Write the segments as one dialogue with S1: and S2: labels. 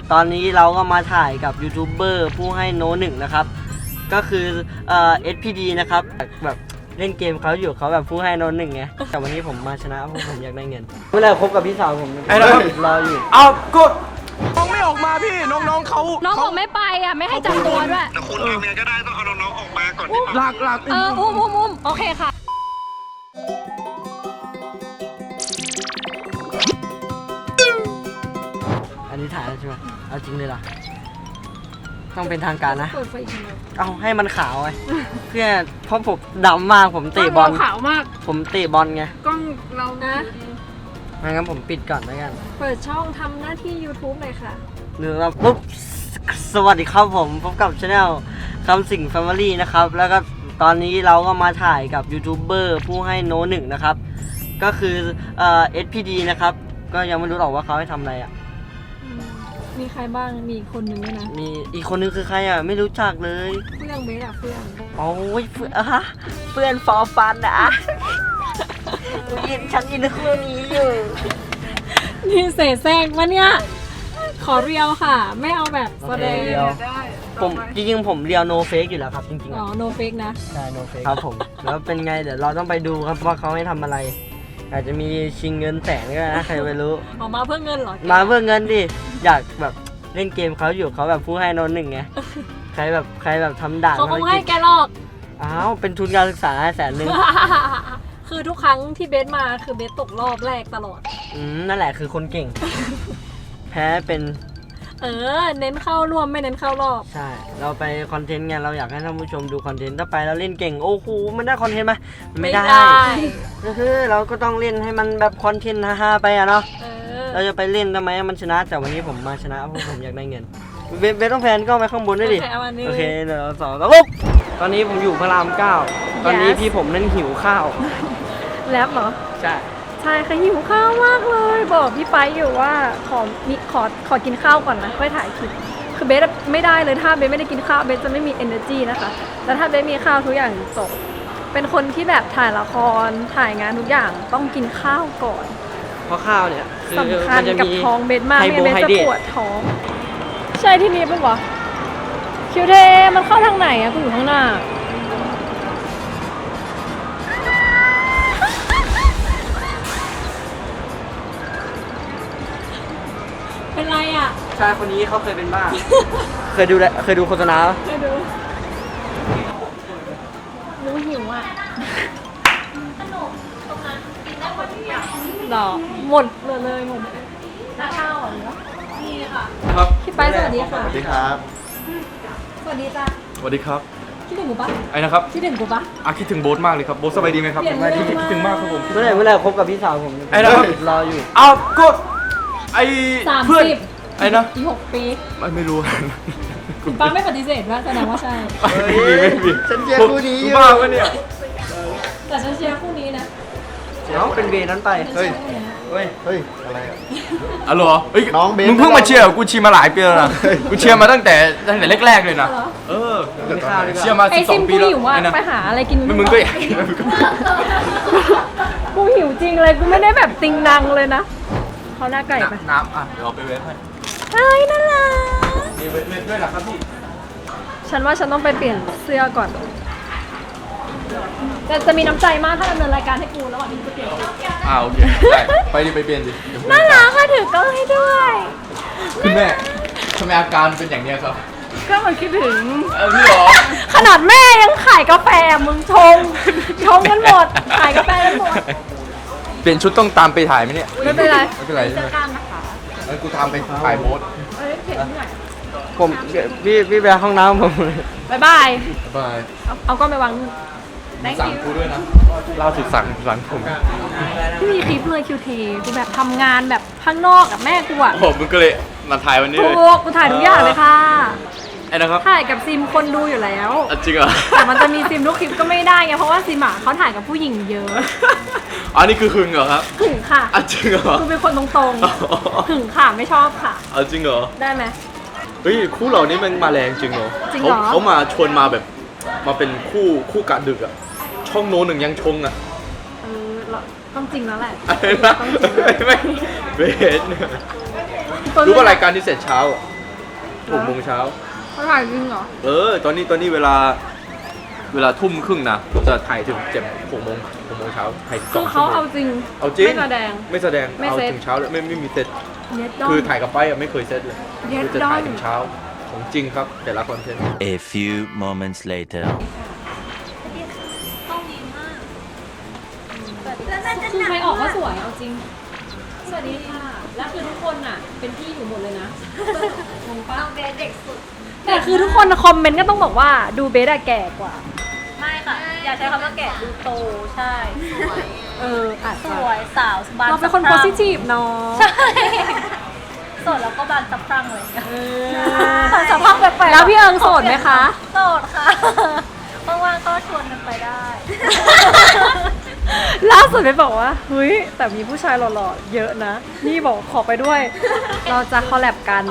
S1: ตอนนี้เราก็มาถ่ายกับยูทูบเบอร์ผู้ให้โนหนึ่งนะครับก็คือSPD นะครับแบบเล่นเกมเขาอยู่เขาแบบผู้ให้โนหนึ่งไงแต่วันนี้ผมมาชนะเพราะผมอยากได้เงินเมื่อไหร่คบกับพี่สาวผมรออยู่
S2: เอาก็น้องไม่ออกมาพี่น้องเขา
S3: น้องบอกไม่ไปอ่ะไม่ให้จับตัวด้วย
S4: แต่คุณทำยังไงก็ได้ต้องเอาน้องๆออกมาก่อน
S2: หลัก
S3: อุ้มโอเคค่ะ
S1: อันนี้ถ่ายแล้วใช่ไหมเอาจริงเลยล่ะต้องเป็นทางการนะเอาให้มันขาวไงเพื่อเพราะผมดำมากผมเตะบอล
S3: ขาวมาก
S1: ผมเตะบอลไง
S3: กล้องเรานะ
S1: งั้นผมปิดก่อนแล้วกัน
S3: เปิดช่องทำหน้าที่ YouTube เลยค่ะ
S1: หนึ่งแล้วปุ๊บสวัสดีครับผมพบกับช anel คำสิง Family นะครับแล้วก็ตอนนี้เราก็มาถ่ายกับยูทูบเบอร์ผู้ให้โนหนึ่งนะครับก็คือSPD นะครับก็ยังไม่รู้หรอกว่าเขาให้ทำอะไรอ่ะ
S3: มีใครบ้างมีคนนึงด้วยนะ
S1: มีอีกคนนึงคือใครอ่ะไม่รู้จักเลย
S3: เฟื่องเบสอะเฟื่อง
S1: โอ้ยเพื่อนฟอร์ฟันนะฉันอินคู่นี้อยู่
S3: นี่เสแสร้งวะเนี่ยขอเรียวค่ะไม่เอาแบบแสดง
S1: ผมจริงๆผมเรียวโนเฟกอยู่แล้วครับจริงๆ
S3: อ๋อโนเฟกนะ
S1: ใช่โนเฟกครับผมแล้วเป็นไงเดี๋ยวเราต้องไปดูครับว่าเขาให้ทำอะไรอาจจะมีชิงเงินแสนก็ได้นะใครไม่รู้
S3: ออกมาเพื่อเงินเหรอ
S1: มาเพื่อเงินดิอยากแบบเล่นเกมเขาอยู่เขาแบบผู้ให้โนหนึ่งไงใครแบบทำด่าน
S3: เขาคงให้แกหรอก
S1: อ้าวเป็นทุนการศึกษา100,000
S3: คือทุกครั้งที่เบสมาคือเบสตกรอบแรกตลอด
S1: นั่นแหละคือคนเก่งแพ้เป็น
S3: เน้นเข้าร่วมไม่เน้นเข้ารอบ
S1: ใช่เราไปคอนเทนต์ไงเราอยากให้ท่านผู้ชมดูคอนเทนต์ถ้าไปเราเล่นเก่งโอ้โหมันได้คอนเทนต์ไหมไม่ได้ก็คือเราก็ต้องเล่นให้มันแบบคอนเทนต์ฮาๆไปอะเนาะเราจะไปเล่นทำไมมันชนะแต่วันนี้ผมมาชนะเพราะผมอยากได้เงินเบสต้องแพนก็ไปข้างบนด้วยดิโอเคเดี๋ยวสองแล้วปุ๊บตอนนี้ผมอยู่พระราม 9ตอนนี้พี่ผมนั่นหิวข้าว
S3: แลบเหรอ
S1: ใช่
S3: ค่ะหิวข้าวมากเลยบอกพี่ไปอยู่ว่าขอกินข้าวก่อนนะค่อยถ่ายคลิปคือเบสไม่ได้เลยถ้าเบสไม่ได้กินข้าวเบสจะไม่มี energy นะคะแต่ถ้าเบสมีข้าวทุกอย่างจบเป็นคนที่แบบถ่ายละครถ่ายงานทุกอย่างต้องกินข้าวก่อน
S1: เพราะข้าวเนี่ย
S3: สำคัญกับท้องเบสมากไม่เบสจะปวดท้องใช่ที่นี้ปะวะคิวเทมันเข้าทางไหนอะกูอยู่ข้างหน้าเป็นไรอ่ะ
S1: ชายคนนี้เขาเคยเป็นบ้า เคยดูโฆษณา
S3: เคยดูรู้หิวอ่ะหรอหมดเลยหมดน้าข้าวเหรอนี่ค่ะ
S2: ครับ
S3: พี่ไปสวัสดีค่ะ
S4: สวัสดีครับ
S3: สวัสดีจ้า
S2: สวัสดีครับ
S3: คิดถึงกูปะ
S2: ไอ้นะครับ
S3: คิดถึงกูปะ
S2: คิดถึงโบ๊ทมากเลยครับโบ๊ทสบายดีไหมครับคิดถึงมากครับผม
S1: เมื่อไหร่คบกับพี่สาวผม
S2: ไอ้นะครับ
S1: รออยู่
S2: เอาก็ไอ้เพื่อน
S3: 30
S2: ไอ้นะ
S3: อีก6 ปี
S2: ไม่รู้
S3: ป้าไม่ปฏิเสธว่าแสดงว่าใช่
S2: ไม่มี
S1: ฉันเชียร์คู่นี้อยู่
S2: บ้าวะเนี่ย
S3: แต่ฉันเชียร์คู่นี้นะ
S1: เดี๋ยวเป็นเบย์นั้นไป
S4: เฮ้ยอะไรอ่ะ
S2: อ๋อเหรอ
S4: น้องเบย์
S2: มึงเพิ่งมาเชียร์กูเชียร์มาหลายปีแล้วนะกูเชียร์มาตั้งแต่แรกๆเลยนะเชียร์มา12 ปีแล้ว
S3: ไปหาอะไรกิน
S2: มึงก็อยาก
S3: กูหิวจริงเลยกูไม่ได้แบบติงนังเลยนะเขาหน้าไก่ไป
S2: น้ำเดี๋ยวเอาไปเวฟให้
S3: เฮ้ยน่ารัก
S2: มีเวฟด้วยนะครับพี่
S3: ฉันว่าฉันต้องไปเปลี่ยนเสื้อก่อนแต่จะมีน้ำใจมากถ้าดำเนินรายการให้กูระหว่างที่กูเปลี่ยน
S2: โอเคได้ไปเปลี่ยนดิ
S3: น่ารักค่ะถือกล้องให้ด้วย
S2: คุณแม่ทำไมอาการเป็นอย่างนี้ครับ
S3: ก็มันคิดถึง
S2: พี่หรอ
S3: ขนาดแม่ยังขายกาแฟมึงชงกันหมดขายกาแฟกันหมด
S2: เปลี่ยนชุดต้องตามไปถ่ายไหมเนี่ย
S3: ไม่เป็นไร
S2: เสื้
S3: อกล้ามนะคะ
S2: แล้วกูทำไปถ่ายโมด
S1: ผมพี่ไปห้องน้ำผม
S3: บ๊ายบายเอาก็ไปวาง
S2: สั่งกูด้วยนะล่าสุดสั่งผม
S3: พี่มีคลิปเลยคิวเทกูแบบทำงานแบบข้างนอกกับแม่กูอ่ะ
S2: มึงก็เลยมาถ่ายวันนี้เลย
S3: กูถ่ายทุกอย่างเลยค่ะ
S2: ไอ้นะครับ
S3: ถ่ายกับซิมคนดูอยู่แล้ว
S2: จริงเหรอ
S3: แต่มันจะมีซิมทุกคลิปก็ไม่ได้ไงเพราะว่าซิมเขาถ่ายกับผู้หญิงเยอะ
S2: นี่คือหึงเหรอครับ
S3: หึงค่ะ
S2: จริงเหรอ
S3: กูเป็นคนตรงๆหึงค่ะไม่ชอบค่ะ
S2: จริงเหรอ
S3: ได้ไหม
S2: คู่เรานี่มันมาแรงจริงเหรอเขามาชวนมาแบบมาเป็นคู่กะดึกอ่ะช่องโน้นหนึ่งยังชงอ่ะ
S3: ต้องจริงแล้วแหละ
S2: ไม่เบสรู้ว่ารายการที่เสร็จเช้า 6 โมงเช้า
S3: เขาถ่ายจริงเหรอ
S2: ตอนนี้เวลาทุ่มครึ่งนะจะถ่ายถึง6 โมงเช้าถ่าย
S3: คือ
S2: 2
S3: เขา
S2: ชั่วโมง
S3: เอาจริง
S2: เอาจริง
S3: ไม่แสดง
S2: ไม่แสดง
S3: ไม่
S2: เอา
S3: เซ็ต
S2: ถึงเช้าเลยไม่มีเซต
S3: เน็ตดอน
S2: คือถ่ายกับไปอะไม่เคยเซตเลย
S3: เย็ด
S2: คือจะถ่าย
S3: ดอน
S2: ถึงเช้าของจริงครับแต่ละคอนเทนต์
S5: A few moments later.
S3: คือใครออกก็สวยเอาจริง สวัสดีค่ะ แล้วคือทุกคนอ่ะ เป็นพี่อยู่หมดเลยนะงงป้าเบสเด็กสุด แต่คือทุกคนคอมเมนต์ก็ต้องบอกว่าดูเบสอะแก่กว่า
S6: ไม่ค่ะ อย่าใช้คำว่าแก่ดูโตใช่
S3: อาจ
S6: ส
S3: จะ
S6: วยสาวบาน
S3: เราเป็นคน
S6: สะพรั่ง
S3: positive เนาะ
S6: ใช่โสดแล้วก็บานสะพรั่งเลย
S3: บานสะพรั่งแปลกๆแล้วพี่เอิงโสดไหมคะ
S6: โสดค่ะว่างๆก็ชวนกันไปได้
S3: ล่าสุดไปบอกว่าเฮ้ยแต่มีผู้ชายหล่อๆเยอะนะ นี่บอกขอไปด้วย เราจะคอลแลบกัน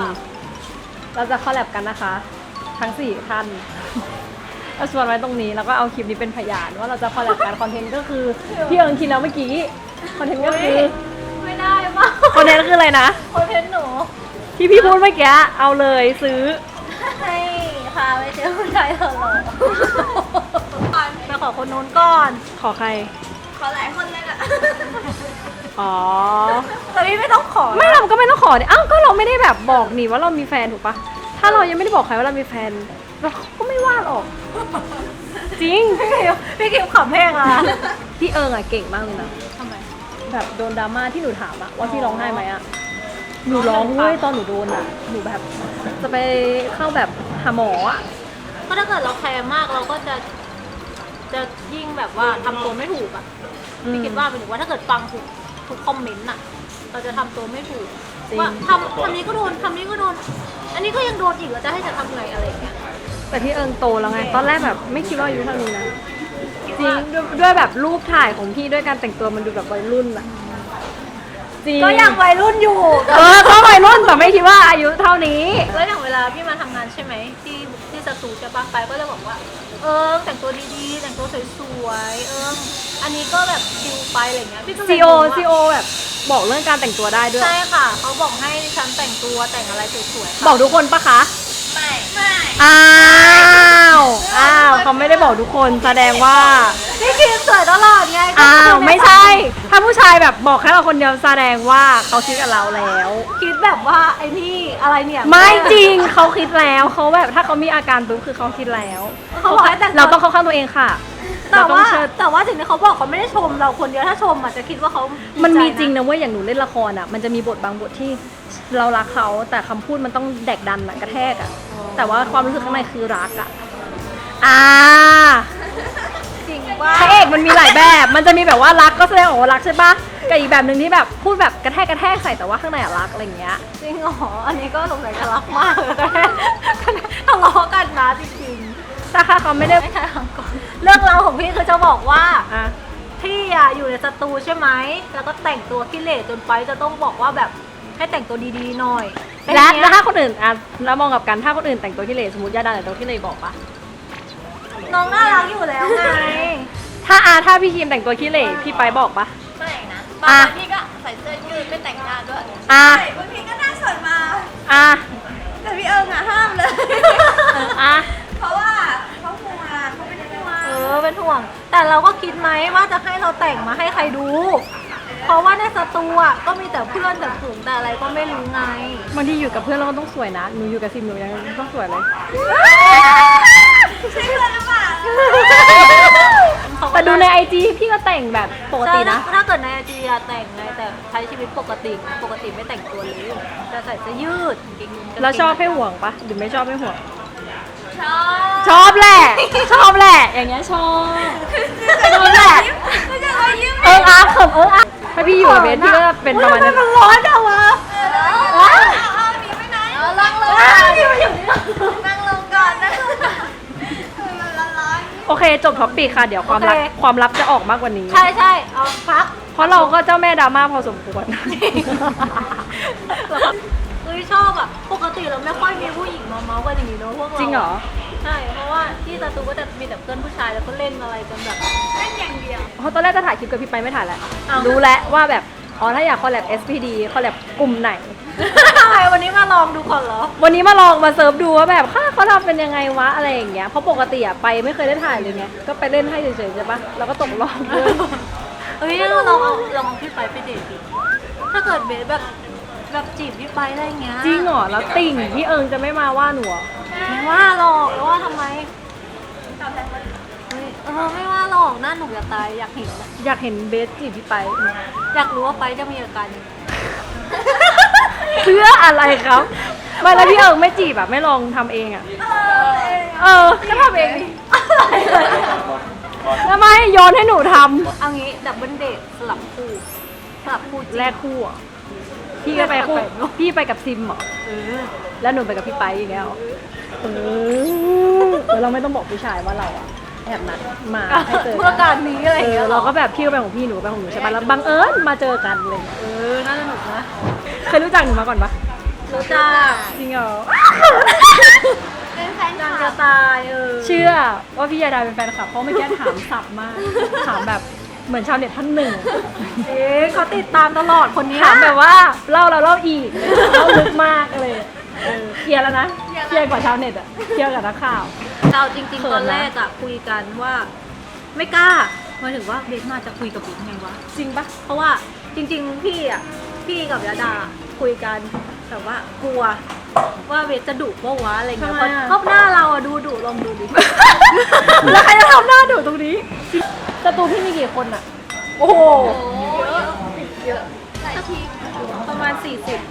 S3: นะคะ ทั้ง4ท่านเราชวนไว้ตรงนี้แล้วก็เอาคลิปนี้เป็นพยานว่าเราจะคอลแลบกันคอนเทนต์ก็คือพี่เอิงคิดแล้วเมื่อกี้คอนเทนต์ก็คือ
S6: ไม่ได้ป่ะ
S3: คอนเทนต์คืออะไรนะ
S6: คอนเทนต์หนู
S3: ที่พี่พูดเมื่อกี้เอาเลยซื้อ
S6: ให้พาไปเจอผู้ชายหล่อๆไปขอคนนู้นก่อน
S3: ขอใคร
S6: ขอหลายคนเลยอะ
S3: อ๋อ
S6: แต่พี่ไม่ต้องขอ
S3: ไม่เราก็ไม่ต้องขอดิอ้าวก็เราไม่ได้แบบบอกนี่ว่าเรามีแฟนถูกปะถ้าเรายังไม่ได้บอกใครว่าเรามีแฟนเราก็ไม่ว่าหรอก จริง
S6: พี่คิวขำแห้งอะ
S3: พี่เอิงอะเก่งมากเลยนะ
S6: ทำไม
S3: แบบโดนดราม่าที่หนูถามอะว่าพี่ร้องไห้ไหมอะหนูร้องเว้ยตอนหนูโดนอะหนูแบบจะไปเข้าแบบหาหมออะ
S6: ก็ถ้าเกิดเราแคร์มากเราก็จะยิ่งแบบว่าทำตัวไม่ถูกอะพี่คิดว่าหมายถึงว่าถ้าเกิดฟังทุกคอมเมนต์อะเราจะทำตัวไม่ถูก
S3: จริง
S6: ว่าทำนี้ก็โดนทำนี้ก็โดน อันนี้ก็ยังโดนอีกแล้วจะให้จะทำไงอะไรอย่างเงี้ย
S3: แต่พี่เอิงโตแล้วไง ตอนแรกแบบไม่คิดว่าอายุเท่านี้นะจริงด้วยแบบรูปถ่ายของพี่ด้วยการแต่งตัวมันดูแบบวัยรุ่นอะจริง
S6: ก็ยังวัยรุ่นอยู่
S3: ก็วัยรุ่นแต่ไม่คิดว่าอายุเท่านี้
S6: แล้วอย่างเวลาพี่มาทำงานใช่ไหมที่สตูจะบางไปก็จะบอกว่า แต่งตัวดีๆ แต่งตัวสวยๆอันนี้ก็แบบชิลไปอะไรเงี้ยพี่ก็เลย
S3: ซีโอ
S6: งงว่า
S3: ซีโอแบบบอกเรื่องการแต่งตัวได้ด้วย
S6: ใช่ค่ะเขาบอกให้ฉันแต่งตัวแต่งอะไรสวยๆค่ะ
S3: บอกทุกคนปะคะ
S6: ไม่
S3: อ้าวเขาไม่ได้บอกทุกคนแสดงว่า
S6: พี่คิมสวยตลอดไง
S3: อ้าวไม่ใช่ ถ้าผู้ชายแบบบอกแค่เราคนเดียวแสดงว่าเขาคิดกับเราแล้ว
S6: คิดแบบว่าไอ้นี่อะไรเนี่ย
S3: ไม่จริงเขาคิดแล้วเขาแบบถ้าเขามีอาการปุ๊บคือเขาคิดแล้ว
S6: เขาบอกให้แต่ง
S3: เราต้องเข้าข้างตัวเองค่ะ
S6: แต่
S3: เราต้อง
S6: ว่า
S3: เชิด
S6: แต่ว่าสิ่งที่เขาบอกเขาไม่ได้ชมเราคนเดียวถ้าชมอาจจะคิดว่าเขา
S3: มั
S6: มัน
S3: มีจริงนะเว้ยอย่างหนูเล่นละครอ่ะมันจะมีบทบางบทที่เรารักเขาแต่คำพูดมันต้องแดกดันอะกระแทกอ่ะแต่ว่าความรู้สึกข้างในคือรักอ่ะ
S6: จริงว่า
S3: พระเอกมันมีหลายแบบ มันจะมีแบบว่ารักก็แสดงออกว่ารักใช่ปะกับอีกแบบหนึ่งที่แบบพูดแบบกระแทกใส่แต่ว่าข้างในอะรักอะไรอย่างเงี้ย
S6: จริงเหรออันนี้ก็สงสัยจะรักมากเลยทะเลาะกันนะจริง
S3: แต่ค่ะเขาไม่ได้
S6: ๆไม่ใช่ครั้งก่อนเรื่องราวของพี่คือจะบอกว่า
S3: อ่ะ
S6: พี่อะอยู่ในสตูใช่ไหมแล้วก็แต่งตัวขี้เหร่จนไปจะต้องบอกว่าแบบให้แต่งตัวดีๆหน่อยเป็น
S3: และ
S6: อย่างเงี้ย
S3: แล้วถ้าคนอื่นอ่ะแล้วมองกับกันถ้าคนอื่นแต่งตัวขี้เหร่สมมติยาดาแต่งตัวขี้เหร่บอกปะ
S6: น้องน่ารักอยู่แล้วไง
S3: ถ้าพี่คิมแต่งตัวขี้เหร่พี่ไปบอกปะ
S6: ไม่นะ
S3: อ่ะ
S6: บางวันพี่ก็ใส่เสื้อยืดไม่แต่งหน้าด้วย
S3: อ่ะ
S6: บางทีก็หน้าสดมา
S3: อ่ะ
S6: แต่พี่เอิงอะห้ามเลย
S3: อ่ะ
S6: เพราะว่าเขาห่วงเขาเป็นห่วงเป็นห่วง แต่เราก็คิดไหมว่าจะให้เราแต่งมาให้ใครดู เพราะว่าในสตูอะก็มีแต่เพื่อนแต่ฝูงแต่อะไรก็ไม่รู้ไง
S3: บางทีอยู่กับเพื่อนเราก็ต้องสวยนะหนูอยู่กับซิมหนูยังต้องสวยเลย
S6: ใช่เพื่อนหรือเปล่า
S3: แต่ดูในไอจีพี่ก็แต่งแบบปกตินะ
S6: ถ้าเกิดในไอจีอะแต่งไงแต่ใช้ชีวิตปกติไม่แต่งตัวเลยจะใส่เสื้อยืดกางเกง
S3: แล้วชอบให้ห่วงปะหรือไม่ชอบให้ห่วง
S6: ชอบ
S3: ชอบแหละ ชอบแหละ อย่างเงี้ยชอบชอบแหละ
S6: ไม่ใช่ว่ายิ้ม
S3: อาเขิมอาถ้าพี่อยู่กับเบสพี่ก็จะเป็นประมาณนั้น
S6: มันร้อนจังวะเอาหนีไปไหนนั่งลงนั่งลงก่อนนั่งลงก่อนมันร้อน
S3: โอเคจบท็อปปีค่ะ เดี๋ยวความลับ
S6: โอเค
S3: ความลับจะออกมากกว่านี้
S6: ใช่เอาพัก
S3: เพราะเราก็เจ้าแม่ดราม่าพอสมควร
S6: เฮ้ยชอบอ่ะปกติเราไม่ค่อยมีผู้หญิงมาเมาส์กันอย่างนี้เนอะพวกเรา
S3: จริงเหรอ
S6: ใช่เพราะว่าที่สตูก็จะมีแต่เพื่อนผู้ชายแล้วก็เล่นอะไรกันแบบเล่นอย่างเดียว
S3: เพราะตอนแรกจะถ่ายคลิปกับพี่ไปไม่ถ่ายแล้ว
S6: อ้าว
S3: รู้แล้วว่าแบบอ๋อถ้าอยากคอลแลบ SPD คอลแลบกลุ่มไหน
S6: อะไรวันนี้มาลองดูก่อนเหรอ
S3: วันนี้มาลองมาเซิร์ฟดูว่าแบบเขาทำเป็นยังไงวะอะไรอย่างเงี้ยเพราะปกติอะไปไม่เคยได้ถ่ายเลยไงก็ไปเล่นให้เฉยๆใช่ปะแล้วก็ตกรอบด้วย
S6: เฮ้ยเราลองเอาพี่ไปเดทดิถ้าเกิดเบสแบบจีบพี่ไปได้เงี้ย
S3: จริงเหรอแล้วติ่งพี่เอิงจะไม่มาว่าหนูเหรอ
S6: ไม่ว่าหรอกแล้วว่าทำไมเฮ้ยไม่ว่าหรอกหน้าหนูจะตายอยากเห็นอะ
S3: อยากเห็นเบสจีบพี่ไป
S6: อยากรู้ว่าไปจะมีอาการยังไง
S3: เพื่ออะไรครับไม่แล้วพี่เอิงไม่จีบอะไม่ลองทำเองอะก็ทำเองดิทำไมโยนให้หนูท
S6: เอางี้ดับเบิลเดทสลับคู่จริง
S3: ำแรกคู่อะพี่ก็ไปคู่พี่ไปกับซิมเหรอแล้วหนูไปกับพี่ไปอย่างเงี้ยเหรอแล้วเราไม่ต้องบอกผู้ชายว่าเราอะแอบนัดมาให้เจอ
S6: เพื่อการนี้อะไรอย่างเงี้ยหร
S3: เรา
S6: อ
S3: ก็แบบพี่ก็ไปของพี่หนูก็ไปของหนูใช่ปะแล้วบังเอิญมาเจอกันเลย
S6: น่าสนุกนะ
S3: เคยรู้จักหนูมาก่อนปะ
S6: รู้จัก
S3: จริงเหรอ
S6: เป็นแฟน
S3: ดัง
S6: คลั
S3: จะ
S6: บ
S3: ตายเชื่อว่าพี่ยาดาเป็นแฟนคลับเพราะเมื่อกี้ถามสับมากถามแบบเหมือนชาวเน็ตท่านหนึ่ง
S6: เขาติดตามตลอดคนนี้
S3: ถามแบบว่าเล่าแล้วเล่าอีกเล่าลึกมากเลยเคลียร์แล้วนะเคลียร์กว่าชาวเน็ตอะเคลียร์กับนักข่าว
S6: เราจริง
S3: เขินนะ
S6: ๆตอนแรกอะคุยกันว่า ไม่กล้าหมายถึงว่าเบสมาจะคุยกับบิ๊กไงวะ
S3: จริงปะ
S6: เพราะว่าจริงๆพี่กับยาดาคุยกันแต่ว่ากลัวว่าเบสจะดุปะวะอะไรเงี้ยเพราะหน้าเราอะดูดุลองดูดิ
S3: แล้วใครจะทำหน้าดูตรงนี้ศัตรูพี่มีกี่คนอะโอ้โห
S6: เยอะประมาณ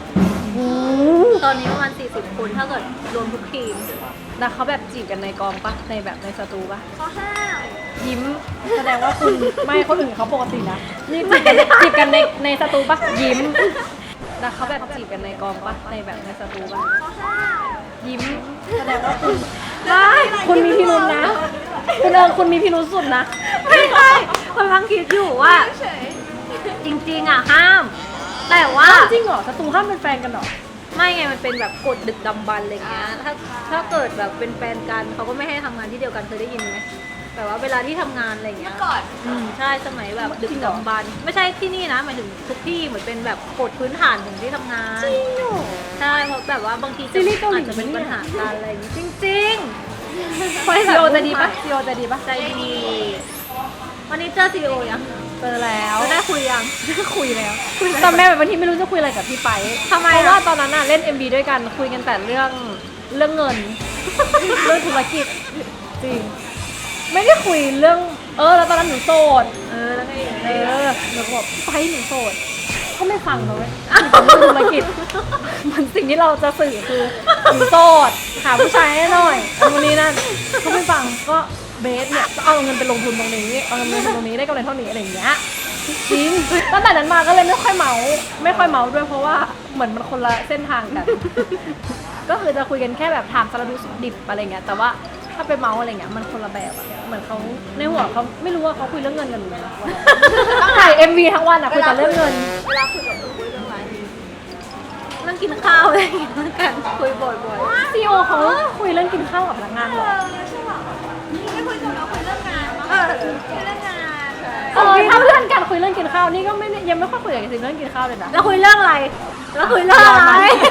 S6: 40 ตอนนี้ประมาณ 40 คนถ้าเกิดรวมทุกทีม
S3: แล้วเขาแบบจีบกันในกองปะในแบบในสตูปะยิ้มแสดงว่าคุณไม่คนอื่นเขาปกตินะนี่จีบกันในสตูปะยิ้มแล้วเขาแบบจีบกันในกองปะในแบบในสตูปะยิ้มแสดงว่าคุณไม่คุณมีพิรุธนะคุณเอิงคุณมีพิรุธสุดนะ
S6: ไม่ใช่คนกำลังคิดอยู่ว่า จริงๆอะห้าม แต่ว่า
S3: จริงเหรอสตูห้ามเป็นแฟนกันเหรอ
S6: ไม่ไงมันเป็นแบบกฎดึกดำบรรพ์อะไรเงี้ยถ้าเกิดแบบเป็นแฟนกันเขาก็ไม่ให้ทำงานที่เดียวกันเคยได้ยินไหมแต่ว่าเวลาที่ทำงานอะไรเงี้ยก่อนใช่สมัยแบบดึกดำบรรพ์ไม่ใช่ที่นี่นะหมายถึงทุกที่เหมือนเป็นแบบกฎพื้นฐานของที่ทำงานจริงเหรอใช่เพราะแบบว่าบางที
S3: ซีรีส์เกาหลี
S6: อาจจะเป็นปัญหาการอะไรอย่างงี้จริงๆ
S3: ซีโอจะดีปะซีโอจะดีปะ
S6: ใจดีวันนี้เจอซีโอยัง
S3: เจอแล้ว
S6: ได้คุยยัง
S3: คุยแล้วตอนแม่แบบบางทีไม่รู้จะคุยอะไรกับพี่ไป
S6: ทำไม
S3: เพ
S6: อะ
S3: ราะว่าตอนนั้นน่ะเล่น MV ด้วยกันคุยกันแต่เรื่องเงิน เรื่องธุรกิจจริง ไม่ได้คุยเรื่องแล้วตอนนั้นหนูโสด
S6: แล้วไง
S3: หนูก็บอกไปหนูโสดก็ไม่ฟังเลยเรื่องธุรกิจมันสิ่งที่เราจะสื่อคือหนูโสดหาผู้ชายให้หน่อยวันนี้นั่นก็ไม่ฟังก็เบสเนี่ยก็เอาเงินไปลงทุนตรงนี้เอาเงินไปลงทุนตรงนี้ได้กำไรเท่านี้อะไรอย่างเงี้ยจริงตั้งแต่นั้นมาก็เลยไม่ค่อยเมาด้วยเพราะว่าเหมือนมันคนละเส้นทางกัน ก็คือจะคุยกันแค่แบบถามสารทุกข์สุขดิบอะไรเงี้ยแต่ว่าถ้าไปเมาอะไรเงี้ยมันคนละแบบอะเหมือนเขาในหัวเขาไม่รู้ว่าเขาคุยเรื่องเงินกันหรือไงถ่าย MV ทั้งวันอะคุยแต่เรื่องเงิน
S6: เวลาคุยกับคุณคุยเรื่องอะไรเรื่องกินข้าวอะไรอย่างเงี้ยกันคุยบ่อยๆ
S3: ซีโอเขาคุยเรื่องกินข้าวกับพนักงานหรอ
S6: ไม่คุยกับเราคุยเรื่องงานคุยเรื่องงาน
S3: ถ้าเพื่อนกันคุยเรื่องกินข้าวนี่ก็ไม่ได้ยังไม่ค่อยคุยกับซิมเรื่องกินข้าวเลยนะ
S6: แล้วคุยเรื่องอะไรแล้วคุยเรื่องอะไร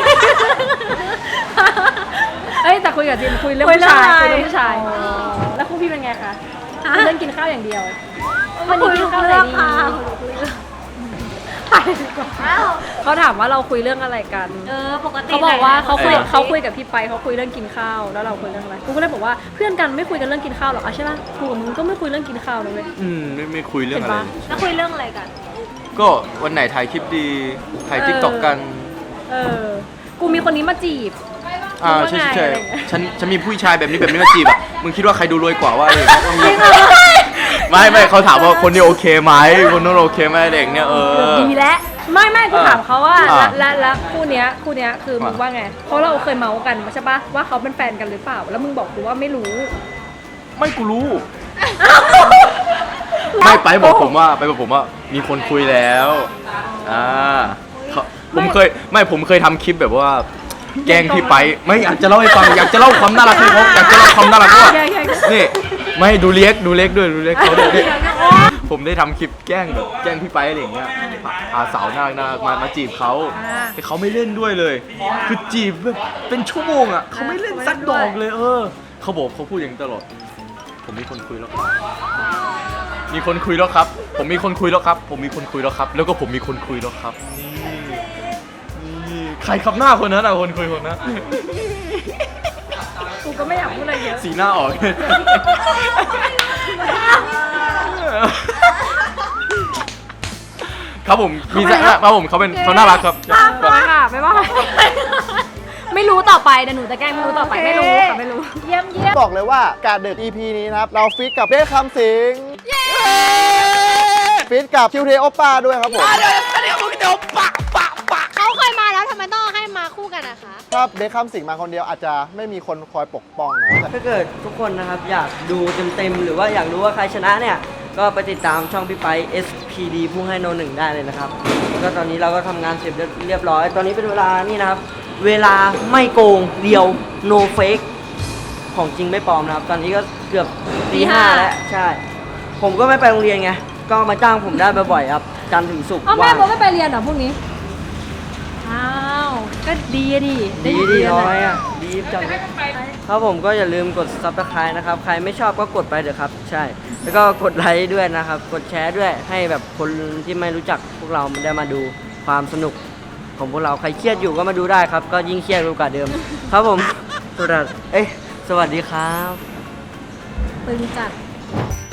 S3: เอ้ยแต่คุยกับจิมคุยเรื่องผู้ชายคุยเรื่องผู้ชายแล้วคู่พี่เป็นไงคะคุยเรื่องกินข้าวอย่างเดียววันนี้กินข้าวอะไรดีเขาถามว่าเราคุยเรื่องอะไรกัน
S6: ปกติ
S3: เขาบอกว่าเขาคุยกับพี่ไปเขาคุยเรื่องกินข้าวแล้วเราคุยเรื่องอะไรกูก็เลยบอกว่าเพื่อนกันไม่คุยกันเรื่องกินข้าวหรอกใช่ป่ะกูกับมึงก็ไม่คุยเรื่องกินข้าวเลยเว้ย
S2: ไม่คุยเรื่องอะไร
S3: เห็นปะ
S6: แล้วคุยเรื่องอะไรกัน
S2: ก็วันไหนถ่ายคลิปดีถ่ายทิกตอกกัน
S3: กูมีคนนี้มาจีบ
S2: ใช่
S3: ว่าไง
S2: ใช่
S3: อะไรอย่างเงี้ย
S2: ฉันมีผู้ชายแบบนี้มาจีบอ่ะมึงคิดว่าใครดูรวยกว่าว่าอะไรไม่เขาถามว่าคนนี้โอเคไหมคนนู้นโอเคไหมเด็กเนี่ย
S3: ดีแล้วไม่กูถามเขาว่า
S2: อ่า
S3: และคู่เนี้ยคือมึงว่าไงเพราะเราเคยเมาส์กันใช่ปะว่าเขาเป็นแฟนกันหรือเปล่าแล้วมึงบอกกูว่าไม่รู้
S2: ไม่กูรู้ ไม่ไปบอกผมว่ามีคนคุยแล้วผมเคยทำคลิปแบบว่า แกล้งพี่ไปไม่อยากจะเล่าให้ฟังอยากจะเล่าความน่ารักให้เขาอยากจะเล่าความน่ารักว่านี่ไม่ดูเล็กด้วยดูเล็กเขาด้วยผมได้ทำคลิปแกล้งแบบแกล้งพี่ไปอะไรอย่างเงี้ยพาสาวน่ารักมาจีบเขาแต่เขาไม่เล่นด้วยเลย คือจีบแบบเป็นชั่วโมงอ่ะเขาไม่เล่นสักดอกเลยเขาบอกเขาพูดอย่างนี้ตลอดผมมีคนคุยแล้วครับมีคนคุยแล้วครับ ผมมีคนคุยแล้วครับ ผมมีคนคุยแล้วครับ แล้วก็ผมมีคนคุยแล้วครับนี่ใครขับหน้าคนนั้นอ่ะคนคุยคนนั้น
S3: กูก็ไม่อยากพูดอะไรเยอะ
S2: สีหน้าออก ครับผมมีสักครับผมเขาน่ารักครับ
S3: ไปค่ะบ๊ายบายไม่รู้ต่อไปเดี๋ยวหนูจะแกล้งไม่รู้ต่อไปไม่รู้ค่ะไม่รู้
S6: เยี่ยมเยี่ยม
S4: บอกเลยว่าการเดิน EP นี้นะครับ เราฟิตกับเบสคำสิงฟิตกับคิวเทโอป้าด้วยครับผม
S6: เขาเคยมาแล้วทำไมต้องให้มาคู่กันนะคะ
S4: ถ้าเบสคำสิงมาคนเดียวอาจจะไม่มีคนคอยปกป้องนะ
S1: ถ้าเกิดทุกคนนะครับอยากดูเต็มๆหรือว่าอยากรู้ว่าใครชนะเนี่ยก็ไปติดตามช่องพี่ไป SPD ผู้ให้โนหนึ่งได้เลยนะครับแล้วก็ตอนนี้เราก็ทำงานเสร็จเรียบร้อยตอนนี้เป็นเวลานี่นะครับเวลาไม่โกงเดียว no fake ของจริงไม่ปลอมนะครับตอนนี้ก็เกือบตีห้าแล้วใช่ ผมก็ไม่ไปโรงเรียนไงก็มาจ้างผมได้บ่อยๆครับจันทร์ถึงศุกร์
S3: เอาแม่
S1: ว่าง
S3: โบไม่ไปเรียนเหรอพรุ่งนี้ อ้าว ก็ดีอะดิ
S1: ดี
S3: ไ
S1: ดี
S3: เรียน
S1: น้อยอ่ะดีจังครับผมก็อย่าลืมกด subscribe นะครับ ใครไม่ชอบก็กดไปเถอะครับ ใช่ แล้วก็กดไลค์ด้วยนะครับ กดแชร์ด้วยให้แบบคนที่ไม่รู้จักพวกเราได้มาดูความสนุกของพวกเราใครเครียดอยู่ก็มาดูได้ครับ ก็ยิ่งเครียดกว่าเดิม ครับผมสวัสดีครับ
S3: ตึงจัด